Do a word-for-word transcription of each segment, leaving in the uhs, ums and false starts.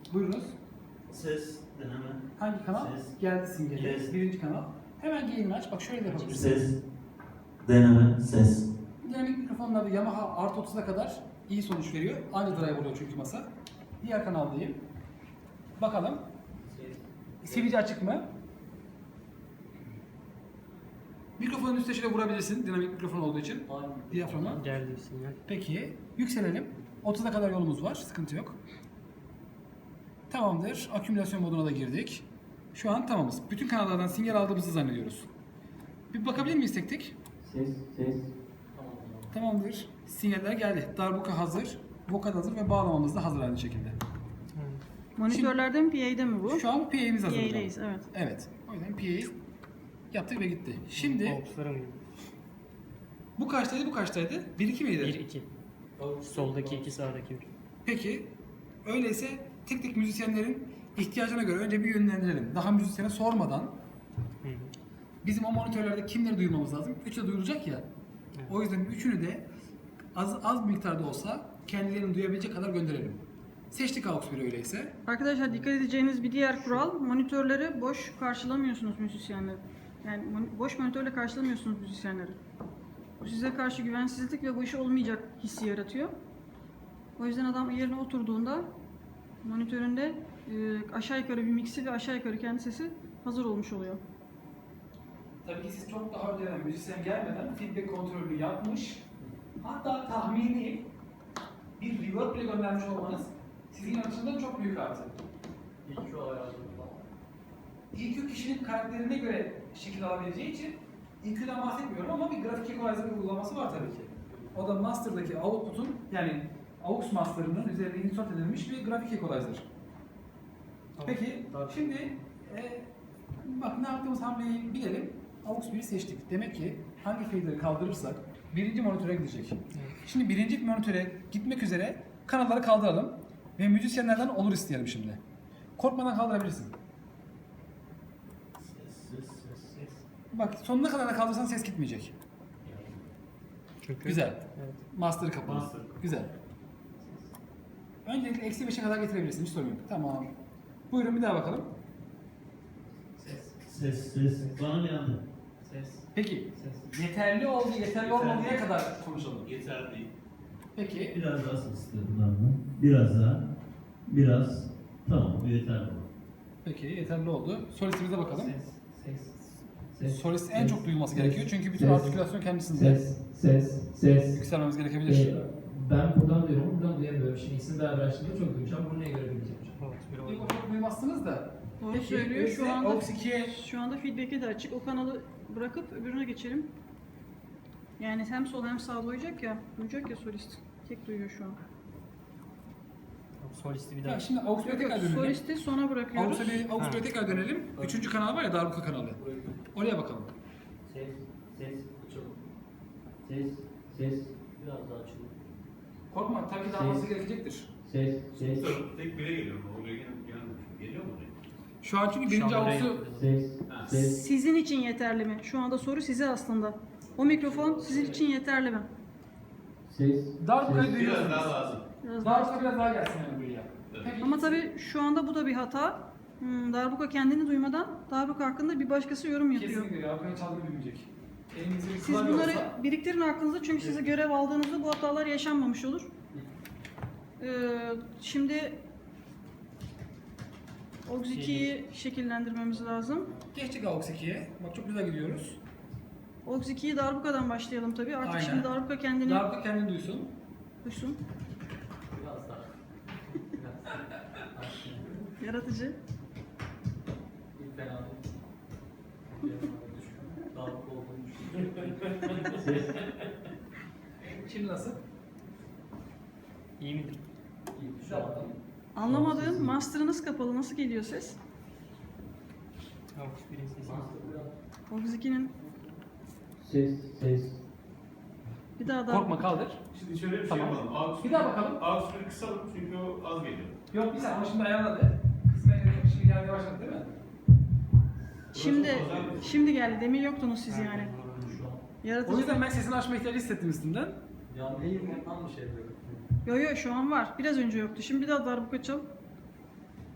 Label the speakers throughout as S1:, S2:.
S1: Buyurunuz.
S2: Ses, deneme.
S1: Hangi kanal?
S2: Ses.
S1: Geldi simgeli.
S2: Yes.
S1: Birinci kanal. Hemen yayını aç. Bak şöyle de yapabilirsin.
S2: Ses, deneme, ses.
S1: Dinamik mikrofonlarda Yamaha Art otuz'a kadar iyi sonuç veriyor. Aynı drive oluyor çünkü masa. Diğer kanaldayım. Bakalım. Sivici açık mı? Mikrofonun üstüne şöyle vurabilirsin. Dinamik mikrofon olduğu için. Diyaframa.
S3: Geldi sinyal.
S1: Peki. Yükselelim. otuza kadar yolumuz var. Sıkıntı yok. Tamamdır. Akümülasyon moduna da girdik. Şu an tamamız. Bütün kanallardan sinyal aldığımızı zannediyoruz. Bir bakabilir miyiz tek tek?
S2: Ses, ses.
S1: Tamamdır. Sinyaller geldi. Darbuka hazır. Vokal hazır ve bağlamamız da hazır aynı şekilde.
S4: Monitörlerde mi P A'de mi bu?
S1: Şu an P A'miz hazır.
S4: P
S1: hocam.
S4: A'deyiz, evet.
S1: Evet. O yüzden P A'yi yaptık ve gitti. Şimdi
S3: Box'lara mı?
S1: bu kaçtaydı, bu kaçtaydı? bir iki miydi?
S3: bir iki. Soldaki iki, sağdaki bir.
S1: Peki. Öyleyse tek tek müzisyenlerin ihtiyacına göre önce bir yönlendirelim. Daha müzisyene sormadan
S3: Hı hı.
S1: bizim o monitörlerde kimleri duymamız lazım? Üçü de duyulacak ya.
S3: Evet.
S1: O yüzden üçünü de az az bir miktarda olsa kendilerini duyabilecek kadar gönderelim. Seçtik A U X biri öyleyse.
S4: Arkadaşlar dikkat edeceğiniz bir diğer kural, monitörleri boş karşılamıyorsunuz müzisyenleri. Yani mon- boş monitörle karşılamıyorsunuz müzisyenleri. Bu size karşı güvensizlik ve bu iş olmayacak hissi yaratıyor. O yüzden adam yerine oturduğunda monitöründe e, aşağı yukarı bir mixi ve aşağı yukarı kendi sesi hazır olmuş oluyor.
S1: Tabii ki siz çok daha önceden müzisyen gelmeden feedback kontrolünü yapmış, hatta tahmini bir reverb bile göndermiş olmanız sizin açısından çok büyük artı.
S2: İ Q ayarladım falan.
S1: E Q kişinin karakterine göre şekil alabileceği için E Q'den bahsetmiyorum ama bir grafik equalizer uygulaması var tabii ki. O da master'daki output'un yani A U X master'ının üzerine insert edilmiş bir grafik equalizer. Peki şimdi e, bak ne yaptığımız hamleyi bilelim. A U X biri seçtik. Demek ki hangi fader'ı kaldırırsak birinci monitöre gidecek. Şimdi birinci monitöre gitmek üzere kanalları kaldıralım ve müzisyenlerden olur isteyelim şimdi. Korkmadan kaldırabilirsin.
S2: Ses, ses, ses, ses.
S1: Bak sonuna kadar da kaldırsan ses gitmeyecek.
S3: Çünkü
S1: Güzel.
S3: Evet.
S1: Master'ı kapalı.
S2: Master.
S1: Güzel. Öncelikle eksi beşe kadar getirebilirsin. Hiç sorun yok. Tamam. Buyurun bir daha bakalım.
S2: Ses, ses, ses. Bana mı yandı? Ses.
S1: Peki.
S2: Ses.
S1: Yeterli oldu, yeterli olmadıya kadar konuşalım.
S2: Yeter değil.
S1: Peki.
S2: Biraz daha ses istedim benden. Biraz daha. Biraz. Tamam, bu yeterli.
S1: Peki yeterli oldu. Solistimize bakalım.
S2: Ses, ses.
S1: Solist en çok duyulması
S5: ses,
S1: gerekiyor çünkü bütün
S5: ses,
S1: artikülasyon kendisinde.
S5: Ses, ses, ses.
S1: Yükselmemiz gerekebilir.
S5: Ee, ben buradan duyuyorum, buradan duyamıyorum. Şimdi ikisini beraber açtığımda çok duyacağım. Bunu neye göre bileceğim?
S3: Box bir
S1: Bir
S3: oldu.
S1: çok duymazsınız da.
S4: Doğru
S1: Peki,
S4: söylüyor.
S1: öyleyse
S4: Şu anda
S1: A U X ikiye
S4: şu anda feedback'e de açık. O kanalı bırakıp öbürüne geçelim. Yani hem sol hem sağ duyacak ya. Duyacak ya solist. Tek duyuyor şu an.
S3: Tamam, solisti bir daha.
S1: Ya şimdi A U X bire
S4: Yok yok,
S1: tekrar dönelim.
S4: solisti sona
S1: A U
S4: bırakıyoruz.
S1: X'e bir- A U X bire
S3: Ha.
S1: tekrar dönelim. Üçüncü kanal var ya Darbuka kanalı. Oraya bakalım.
S2: Ses, ses, açalım. Ses, ses. Biraz daha açalım.
S1: Korkma tabii ki daha fazla gerekecektir.
S2: Ses, ses.
S6: Tek bire geliyor. Oraya gel gelmemiş. Geliyor mu oraya?
S1: Şu an çünkü birinci
S3: Şu an
S1: A U X'u
S3: oraya-
S2: Ses, ses.
S4: Sizin için yeterli mi? Şu anda soru size aslında. O mikrofon sizin için yeterli mi?
S2: Ses.
S1: Darbuka'yı
S2: ses.
S1: duyuyorsunuz.
S6: Biraz daha lazım.
S4: Biraz daha.
S1: Darbuka biraz daha gelsin yani buraya. Peki.
S4: Ama tabii şu anda bu da bir hata. Hmm, Darbuka kendini duymadan Darbuka hakkında bir başkası yorum yapıyor.
S1: Kesinlikle Darbuka'nın çaldığını bilmeyecek. Elinizde bir
S4: Siz
S1: klavye
S4: bunları
S1: olsa-
S4: biriktirin aklınızda çünkü size görev aldığınızda bu hatalar yaşanmamış olur. Ee, şimdi O X ikiyi şekillendirmemiz lazım.
S1: Geçtik A U X ikiye. Bak çok güzel gidiyoruz.
S4: O X ikiyi Darbuka'dan başlayalım tabii. Artık
S1: Aynen.
S4: şimdi Darbuka kendini
S1: Darbuka kendini duysun.
S4: duysun.
S2: Biraz daha. Biraz daha.
S4: Yaratıcı.
S2: Bir fena değil. Daha olduğunu düşünüyorum. Ses.
S1: Şimdi nasıl?
S3: İyi midir?
S2: Şu an.
S4: Anlamadığım master'ınız kapalı. Nasıl geliyor ses?
S3: Box birin sesi.
S4: O X ikinin
S2: Ses, ses.
S4: bir daha daha.
S1: Korkma kaldır.
S6: Şimdi şöyle bir
S1: Tamam.
S6: şey yapalım. A U X
S1: Bir daha bakalım.
S6: A U X biri kısalım çünkü o az geliyor.
S1: Yok bir saniye ama şimdi ayarladı. Kısmen gerek şimdi gelmeye başladı değil mi?
S4: Şimdi şimdi geldi. Demin yoktunuz siz yani.
S2: Şu an.
S1: O
S4: Yaratıcı.
S1: yüzden ben sesini açma ihtiyacı hissettim üstünden.
S2: Ya neyi bundan mı şey böyle?
S4: Yo yo şu an var. Biraz önce yoktu. Şimdi bir daha darbuka çal.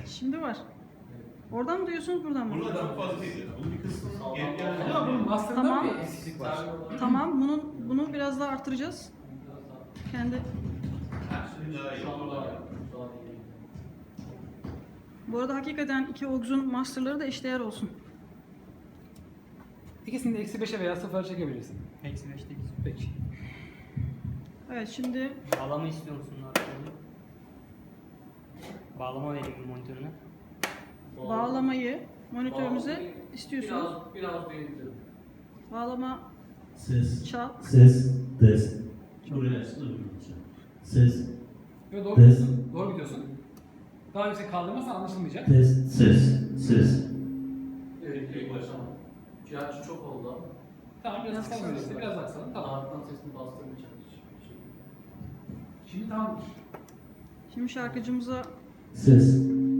S4: Şimdi var. Oradan mı duyuyorsunuz, buradan mı?
S6: Burada çok fazla değil. Bunun bir kısmı
S2: Sağ-
S6: geri
S2: sağ-
S6: gelen.
S1: Ama bunun master'ında
S4: Tamam.
S1: bir eksiklik var.
S4: Tamam, bunun bunu biraz daha artıracağız. Kendi.
S6: Şimdi daha iyi
S2: Şu anda
S6: oldu.
S2: daha daha iyi.
S4: Bu arada hakikaten iki Aux'un master'ları da eşdeğer olsun.
S1: İkisini de eksi beşe veya sıfıra çekebilirsin.
S3: Eksi beşte iki.
S1: Peki.
S4: Evet, şimdi
S3: Bağlama istiyor musun arkadaşlar? Bağlama vereyim mi monitörüne?
S4: bağlamayı monitörümüze istiyorsunuz.
S2: Biraz, biraz büyüttüm.
S4: Bağlama
S7: Ses,
S4: çal.
S7: ses, test. Buraya açtım. Ses,
S1: Yo, doğru
S7: Test.
S1: gidiyorsun. Doğru gidiyorsun. Daha yüksek kaldırmazsan anlaşılmayacak.
S7: test, ses, ses.
S2: Evet, ilk başlama. Gerçi çok oldu ama.
S1: Tamam biraz
S4: Biraz
S1: kısalım
S4: kısalım.
S1: öyleyse. Biraz daha kısalım. Tamam.
S2: Arkadan sesini bastığım için.
S1: Şimdi tamamdır.
S4: Şimdi şarkıcımıza
S7: Ses,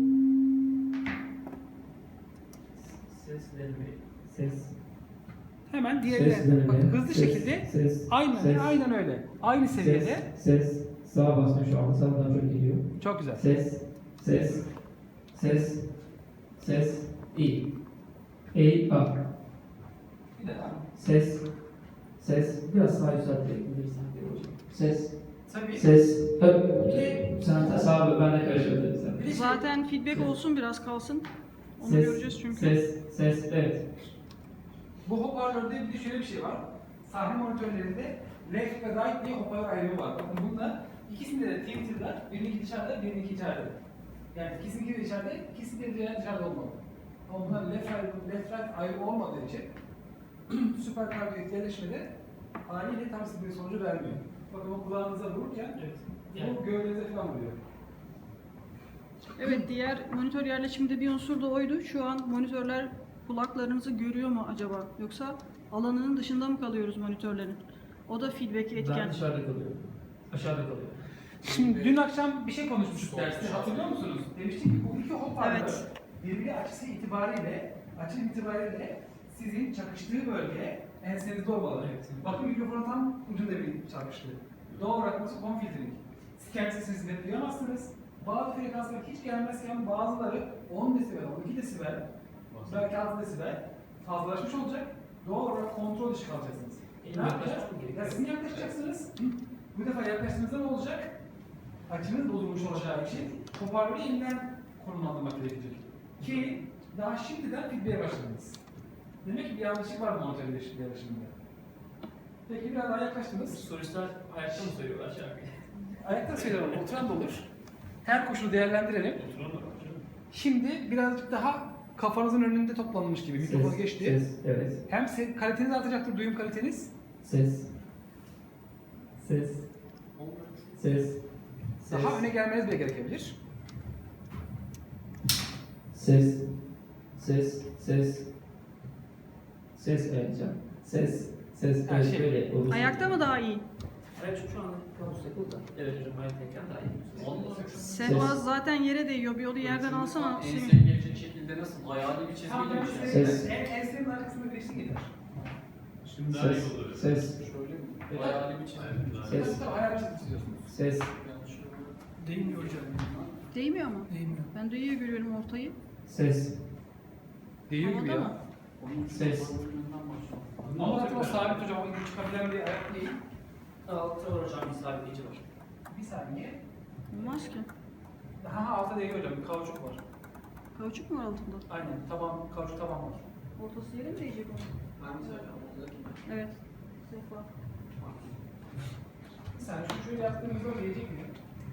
S5: Seslenme. Ses.
S1: Hemen diğerine
S5: Seslenme.
S1: bak, hızlı
S5: ses,
S1: şekilde
S5: Ses.
S1: aynen
S5: ses,
S1: aynen öyle. Aynı seviyede.
S5: Ses. Ses. Sağa basma şu anda. Sağdan çok geliyor.
S1: Çok güzel.
S5: Ses. Ses. Ses. Ses. İyi. İyi. Bak.
S1: Bir de
S5: Ses. Ses. Biraz sağa yükseltebilirsin. Ses.
S1: tabii.
S5: Ses. Öp. Sen sağa ben de karıştırdım sen.
S1: Bir de şey-
S4: zaten feedback olsun, biraz kalsın. Onu
S5: Ses,
S4: göreceğiz çünkü.
S5: Ses. Ses. Evet.
S1: Bu hoparlörde bir de şöyle bir şey var. Sahne monitörlerinde left ve right diye hoparlör ayrımı var. Bakın bunda ikisinde de Twitter'da birinki dışarıda, birinki içeride. Yani ikisinin de içeride, ikisinin de dışarıda olmalı. Ama bunlar left right, left right ayrımı olmadığı için süper kardiyо etkileşmede haliyle tam istediği sonucu vermiyor. Bakın o kulağınıza vururken bu gövdenize falan vuruyor.
S4: Evet, diğer monitör yerleşiminde bir unsur da oydu. Şu an monitörler kulaklarınızı görüyor mu acaba? Yoksa alanının dışında mı kalıyoruz monitörlerin? O da feedback'i
S5: Ben
S4: etken.
S5: dışarıda kalıyorum. Aşağıda kalıyorum.
S1: Şimdi dün akşam bir şey konuşmuştuk derste, hatırlıyor musunuz? Demiştik ki bu iki hoparlör
S4: Evet.
S1: birbiri açısı itibariyle, açı itibariyle sizin çakıştığı bölge ensenizde olmalı. Bakın mikrofonun tam ucunda bir çakıştı. Doğal olarak burası home filtering. Siz kendi sesinizi net duyamazsınız. Bazı frekanslar hiç gelmezken bazıları on desibel, on iki desibel, belki altı desibel fazlalaşmış olacak. Doğal olarak kontrol dışı kalacaksınız.
S5: Benim
S1: Ne yapacağız?
S5: yaklaşmam gerekiyor.
S1: Ya sizin yaklaşacaksınız. Bu defa yaklaştığınızda ne olacak? Açınız bozulmuş olacağı için hoparlörü yeniden konumlandırmak gerekecek. Ki daha şimdiden feedback'e başladınız. Demek ki bir yanlışlık var monitör yerleşiminde. Peki biraz daha yaklaştınız.
S2: Solistler ayakta mı söylüyorlar şarkıyı?
S1: Ayakta söylüyorum, oturan da olur. Her koşulu değerlendirelim.
S6: Oturan da var canım.
S1: Şimdi birazcık daha kafanızın önünde toplanmış gibi mikrofonu
S5: Ses,
S1: geçti.
S5: Ses. Evet.
S1: Hem se- kaliteniz artacaktır, duyum kaliteniz.
S5: Ses. Ses. Ses.
S1: Daha
S5: Ses.
S1: öne gelmeniz bile gerekebilir.
S5: Ses. Ses. Ses. Ses evet can. Ses. Ses.
S1: Her
S5: Evet
S1: şey.
S5: böyle olur.
S4: Ayakta mı daha iyi?
S2: Evet şu an kamus takıldı da. Evet hocam ayaktayken daha iyi. Olmaz.
S4: Sehpa zaten yere değiyor. Bir onu yerden alsana. Semih.
S2: Enseye gelecek şekilde nasıl? Ayağını bir
S1: Tam
S2: çizgiyle
S1: ben
S2: mi şey?
S1: size
S5: Ses.
S1: en ensenin arkasında bir eşlik eder.
S6: Şimdi daha iyi
S5: Ses.
S6: oldu.
S5: Ses.
S1: Şöyle mi?
S2: Ayağını bir çizgiyle.
S6: Aynen, daha iyi.
S5: Ses.
S1: Tabii tabii hayal çizgi çiziyorsunuz.
S5: Ses.
S2: Yanlış oldu.
S1: Değmiyor hocam.
S4: Değmiyor mu?
S1: Değmiyor.
S4: Ben de iyi görüyorum ortayı.
S5: Ses.
S1: Değiyor gibi
S4: Havada
S1: ya.
S4: mı?
S5: Ses.
S1: Ama zaten o sabit hocam, o gibi çıkabilen bir ayak değil.
S2: Altı var hocam bir sabitleyici var.
S1: Bir saniye.
S4: Olmaz ki.
S1: Ha altta değiyor hocam, bir kauçuk var.
S4: Kauçuk mu var altında?
S1: Aynen, taban, kauçuk taban var.
S4: Ortası yere mi değecek onun?
S2: Hangisi hocam? Oradaki.
S4: Evet. Sehpa.
S1: Bir saniye, şu şöyle yaptığımızda değecek mi?